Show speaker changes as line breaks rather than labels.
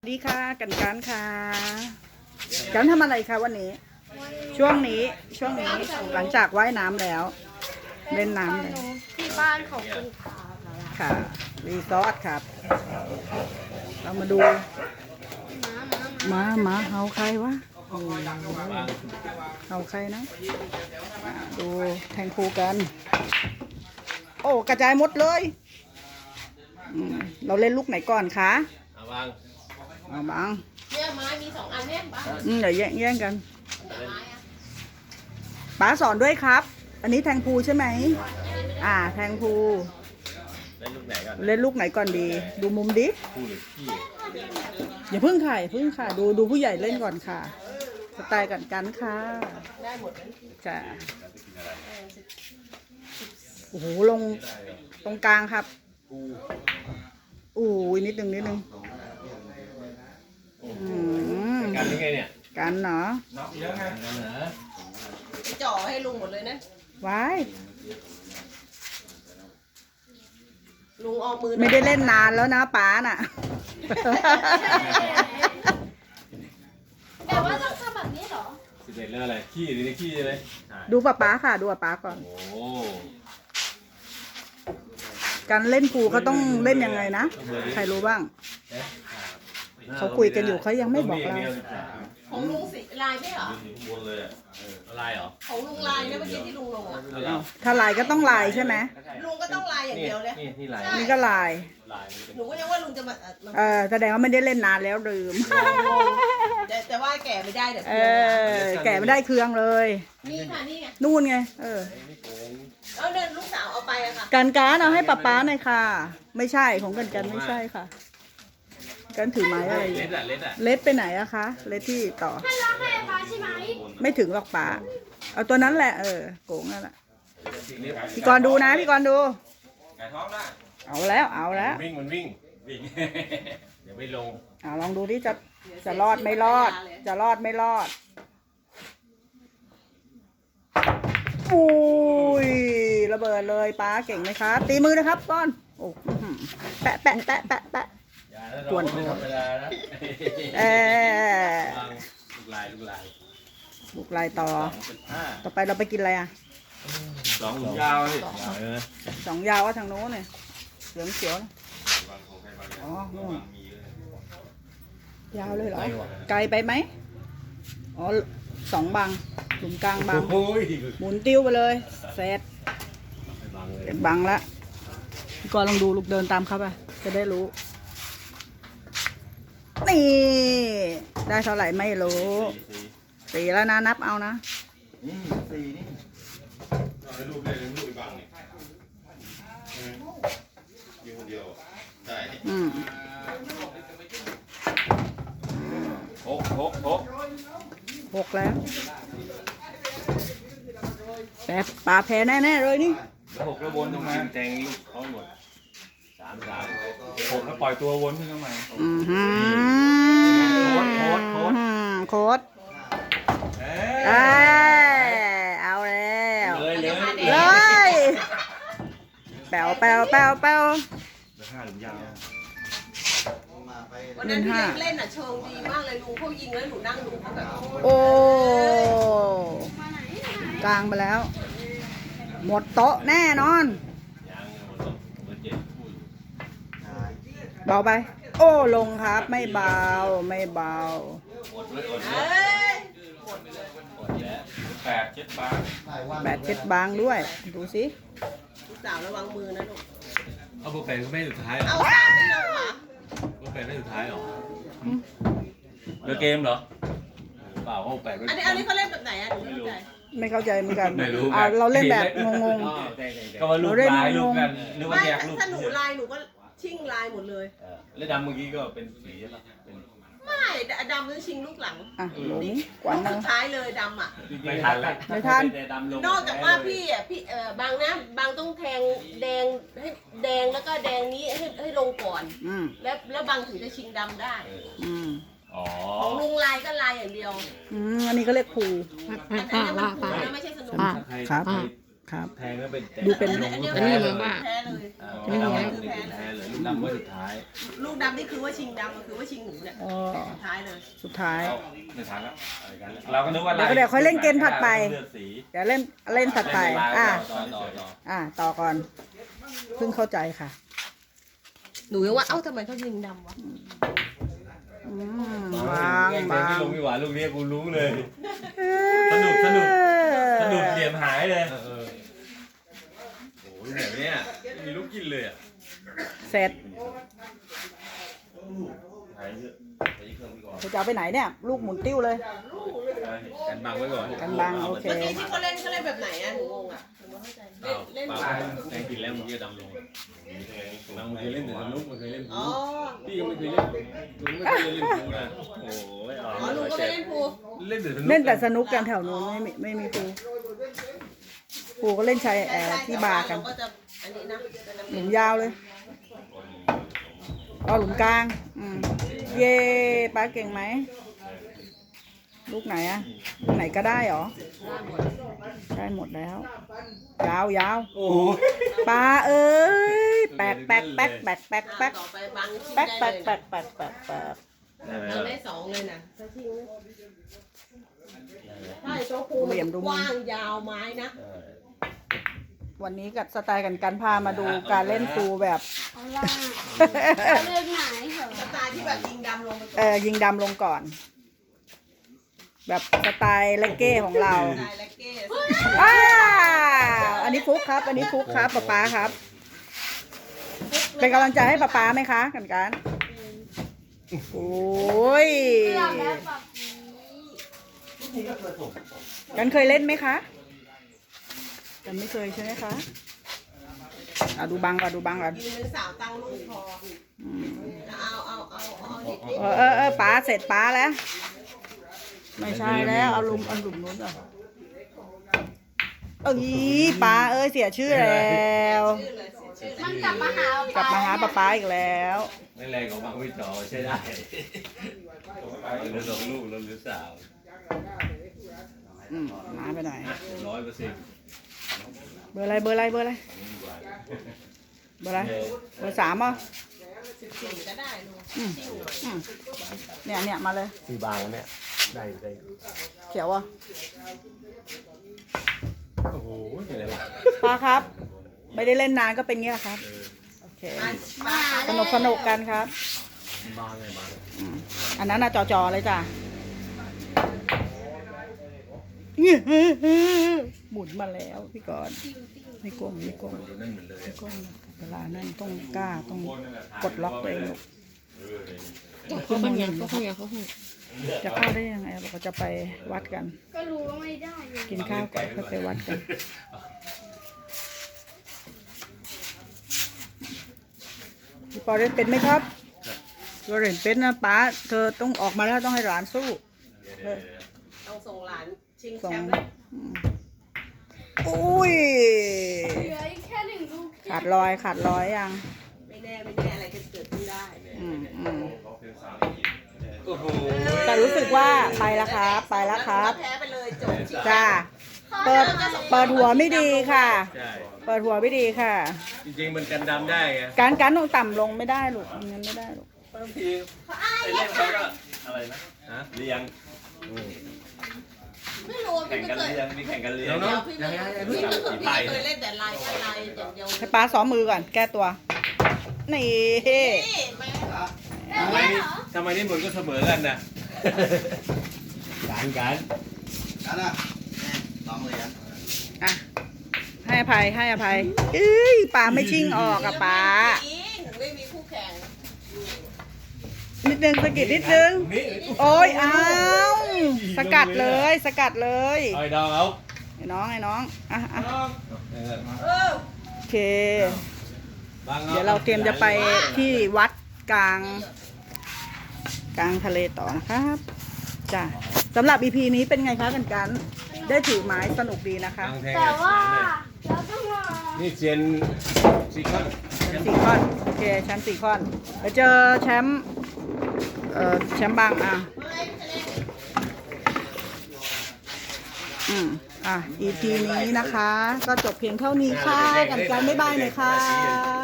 สวัสดีค่ะกันค่ะกันทำอะไรคะวันนี้ช่วงนี้หลังจากว่ายน้ำแล้วเล่นน้ำเลย
ที่บ้านของคุณตา
ค่ะรีสอร์ทครับ เรามาดูมาเฮาใครวะเฮาใครนะดูแทงคูกันโอ้กระจายหมดเลยเราเล่นลูกไหนก่อนคะเอาบาง
เนี่ยไม้มี2 อันเนี่ยบ้าง
เดี๋ยวแย่งกันป๋าสอนด้วยครับ อันนี้แทงพูใช่ไหมแทงพูเล่นลูกไหนก่อนดี ดูมุมดิอย่าพึ่งค่ะดูผู้ใหญ่เล่นก่อนค่ะสไตล์กันค่ะได้หมดจ้ะโอ้โหลงตรงกลางครับนิดนึง
กันยังไงเนี่ย
กันเนาะ
จ่อให้ลุงหมดเลยนะ
ไว้
ลุงออกมือ
ไม่ได้เล่นนานแล้วนะป๋าน่ะ
แต่ว่าต้องทำแบบนี้เหรอ
11เรื่องอะไรขี้หรือขี้ใช่ไหม
ดูป๋าค่ะดูป๋าก่อน
โอ้
การเล่นปูเขาต้องเล่นยังไงนะใครรู้บ้างเขาคุยกันอยู่เขายังไม่บอกเรา
ของลุงสีลายไม่เหรอ
ลายเหรอ
ของลุงลายเนี่ยเมื่อกี้ที่ลุงลงอ่ะ
ถ้าลายก็ต้องลายใช่ไหม
ลุงก็ต้องลายอย่างเดียวเลย
นี่ลาย
นี่ก็ลาย
หนูก็ยังว่าลุงจะมา
แสดงว่าไม่ได้เล่นนานแล้วลืม
แต่ว่าแก่ไม่ได้เดี๋ยว
แก่ไม่ได้เครื่องเลย
นี่ค่ะนี่ไง
นู่นไง
เอาเดินลูกสาวเอาไปอะค่ะ
การเอาให้ป๊าหน่อยค่ะไม่ใช่ของกันไม่ใช่ค่ะกันถือไม้อะไรเล็ดไปไหนอะคะเล็ดที่ต่อ
ให้รักให้ป๊าใช่ไหม
ไม่ถึงหรอกป๊าเอาตัวนั้นแหละโกงนั่นแหละพี่กรณ์ดูนะพี่กรณ์ดูเอาแล้ว
มันวิ่งเดี๋ยวไม่ลง
ลองดูที่จะรอดไม่รอดจะรอดไม่รอดอุ้ยระเบิดเลยป๊าเก่งไหมครับตีมือนะครับก้อนโอ้แปะตวนลูกลายต่อไปเราไปกินอะไร
2 ยาว
2 ยาวว่าทางโน้นเนี่ยเหลืองเขียวนู่นยาวเลยเหรอไกลไปไหม2 บังหลุมกลางบังหมุนติ้วไปเลยเสร็จบังละก่อนลองดูลูกเดินตามเขาไปจะได้รู้นี่ได้เท่าไหร่ไม่รู้4แล้วนะนับเอานะ
4นี่ลูกอีกบังนี่อยู่คนเดียวใช่
6แล้วแต่ปลาแพ้แน่ๆเลยนี่
6แล้ววนตรงมาแทงลูกเขาหมด3 6แล้วปล่อยตัววนขึ้นมา
โค้ดเอาแล้วเลยแป๋ว
วันนั้นที่เล่นเชิงดีมากเลยลุงเขายิงแล้วหนูนั่งดูเขาแบบ
โอ้กลางไปแล้วหมดโต๊ะแน่นอนเบาไปโอ้ลงครับไม่เบา
8 7
บางด้วยดูสิ
ลูกสาวระวังมือนะลูก
เอาโปรแกรมไม่สุดท้าย
เอาสามไม่ลงเหรอ
โปรแกรมไม่สุดท้ายหรอเลือกเกมเหรอเปล่าเขา8
อันนี้เขาเล่นแบบไหนหนู
ไม่เข้าใจเหมือนกันเราเล่นแบบงง
ก็ว่าลูกลายลูกกันหรือว่าแยกลูก
ถ้าหนูลายหนูก็ชิ่งลายหมดเลย
แล้วดำเมื่อกี้ก็เป็นสีใช่ไหม
ไม่ดำต้องชิงลูกหลัง
หลงกว่า
สุดท้ายเลยดำ
ไม่ทัน
นอกจากว่าพี่บางนะบางต้องแทงแดงให้แดงแล้วก็แดงนี้ให้ลงก่อนแล้วบางถึงจะชิงดำได้ของลุงลายก็ลายอย่างเดียว
อันนี้ก็เรียกผู
อันนี้มันผูนะไม่ใช่สนุก
ครับครับ
แทงแล้วเป็น
ดูเป็น
ลงลูก
อัน
แพ้
นี้
เล
มาย ว่าแพ้เลย
ไม่ได้คือแพ้เลยลูกดำไว้สุดท้าย
ลูกดำนี่คือว่าชิงดำก็คือว่าชิงหนูเนี่ย
อ๋อ
สุดท้ายเลย
สุดท้าย
ไม่ทันแล้วเราก็นึกว่า
เดี๋ยวค่อยเล่นเกมถัดไป
เลือกสี
เดี๋ยวเล่นถัดไป
ต่อ
ต่อก่อน เพิ่งเข้าใจค่ะ
หนูยังว่าเอ้าทำไมเขาชิงดำวะ
บาง
แกง
บาง
ที่ลงไม่หวานลูกนี้กูรู้เลย
สนุกเหลี่ยมหายเลย
โอ้ยแบบเนี้ยไม่มีลูกกินเลยอ่ะ
เสร็จ
หายเยอะไปที่เครื่องพี่ก่อน
จะเอาไปไหนเนี่ย ลูกหมุนติ้วเลย
กันบังไว้ก่อน
กันบังโอเค
เมื่อกี้ที่เขาเล่นแบบไหนอ่ะหนูงงอ่ะหนูไม่เข้าใจเล่น
เปล่าแกงกินแล้วมึงจะดำลงบางมึงเคยเล่นแต่สนุกมึงเคยเล่น
อ๋อ
พี่ก็ไม่เคยเล่นมึงไม่เคยเล่นกูนะโอ้ย
อ๋อหนูก็ไปเล่นพู
เล่นแต่สนุก
เล่นแต่สนุกกันแถวนู้นไม่มีปูปูก็เล่นชายที่บาร์กัน
ก็จะอันนี้นะ
หลุมยาวเลยเอาหลุมกลางเย่ป้าเก่งไหมลูกไหนอะลูกไหนก็ได้เหรอได้หมดแล้ว ยาว
โอ้ย
ป้าเอ้ยแปลกแปลกแปลกแปลกแปลกแปลก
ต่อไปบังชิง
แปลก
ได้
แปลก
เลย
แปลกแปลกแปลกแปลก
บังได้สองเลยนะถ้าชิงใช่โชว์ภูกว้างยาวไม้นะ
วันนี้กับสไตล์กันพามาดูการเล่นปูแบบ
เอาล่ะเลือกไหนเหรอ
สไตล์ที่แบบยิงดำลงไป
ยิงดำลงก่อน แบบสไตล์เลกเก้ของเรา
สไตล์และเก้
ว้าวอันนี้ฟุกครับ อันนี้ฟุกครับป๊าครับ เป็นกำลังใจให้ป๊าไหมคะกันโอ้ย
เลือกแล้วแบบนี้
กันเคยเล่นไหมคะกันไม่เคยใช่ไหมคะดูบังก่อนก่อน
ยืนเป็นสาวตั้งลูกพอเอาดิ
ป๋าเสร็จป๋าแล้ว ไม่ใช่แล้วเอาหลุมนู้นก่อนป๋าเอ้ยเสียชื่อแล้ว
ชื่อเลยชื่อเลย
มันกลับมาหาก
ลับมาหาป๊าอีกแล้ว
ไม่แรงของบางวิจอใช่ได้เหลือ2 ลูกแล้วเหลือ3
มาไปหน่อย
100%
เบอร์อะไรเบอร์3อ่ะ
14ก็ได้ลูก
เนี่ยมาเลย
สีบางเนี่ยได้
เขียวอ่ะ
โอ้โหเป็นไรวะ
ป้าครับ ไม่ได้เล่นนานก็เป็นเงี้ยครับโอเคสนุกกันครับ
บางเลยบาง
อันนั้นน่ะจอเลยจ้ะหมุนมาแล้วพี่ก่อนไม่กลม
นั่นเหมือนเลย
เวลานั่นต้องกล้าต้องกดล็อกตัวเองลูก
เขาเป็นยังเขา
จะเข้าได้ยังไงเราจะไปวัดกัน
ก็รู้ว่าไม่ได้เลย
กินข้าวก่อนค่อยไปวัดกันพี่ปอเล่นเป็นไหมครับตัวเล่นเป็นนะป้าเธอต้องออกมาแล้วต้องให้หลานสู้
ต้องส่งหลานชิง
สอ
แช
ง
มป์เลย
อุ้ย
เหลืออีกแค่1 ลูก
ขาดรอยยัง
ไม่แน่อะไรจะเกิดขึ้นได้
โอ้โห
แต่รู้สึกว่าไปแล้วครับ
แพ้ไปเลยจบ
จ้าเปิดหัวไม่ดีค่ะ
ใช่
เปิดหัวไม่ดีค่ะ
จริงๆมันกันดำได้ไง
การต้องต่ำลงไม่ได้ลูกงั้นไม่ได้ลูก
บางที
ไปเล่นเขาก็อะไรนะ
ฮะ
เรียง
ไม่รู้
แข่
พี่
ง
ไม่
กัน
เคย
เรียงมีแข่งกันเรียง
เนาะ
พี่ไม่เคยเล่นแต่ลายอย่างเดียว
ให้ป้าซ้อมมือก่อน แก้ตัว นี่
แม่
ทำไมนี่หมดก็เสมอกันนะการ
กันอ่ะลองเลยอ่ะ
อ่ะ ให้อภัยเอ้ยป้าไม่ชิงออกอะป้า
ไม่มีคู่แข่ง
นิดนึงสะกิดนิดนึง
นี่
โอ้ยอ้าวสกัดเลย
เอาดองเอา
ไอ้น้องอ่ะโอเค เดี๋ยวเราเตรียมจะไปที่วัดกลางทะเลต่อนะครับจ้ะสำหรับ EP นี้เป็นไงคะกันได้ถือไม้สนุกดีนะคะ
แต่ว่าเราต้องรอ
นี่เซียนซีคอน
4 ข้อนโอเคแชมป์4 ข้อนไปเจอแชมป์แชมป์บางอ่ะ EP นี้นะคะ ก็จบเพียงเท่านี้ค่ะกันบ๊ายบายหน่อยค่ะ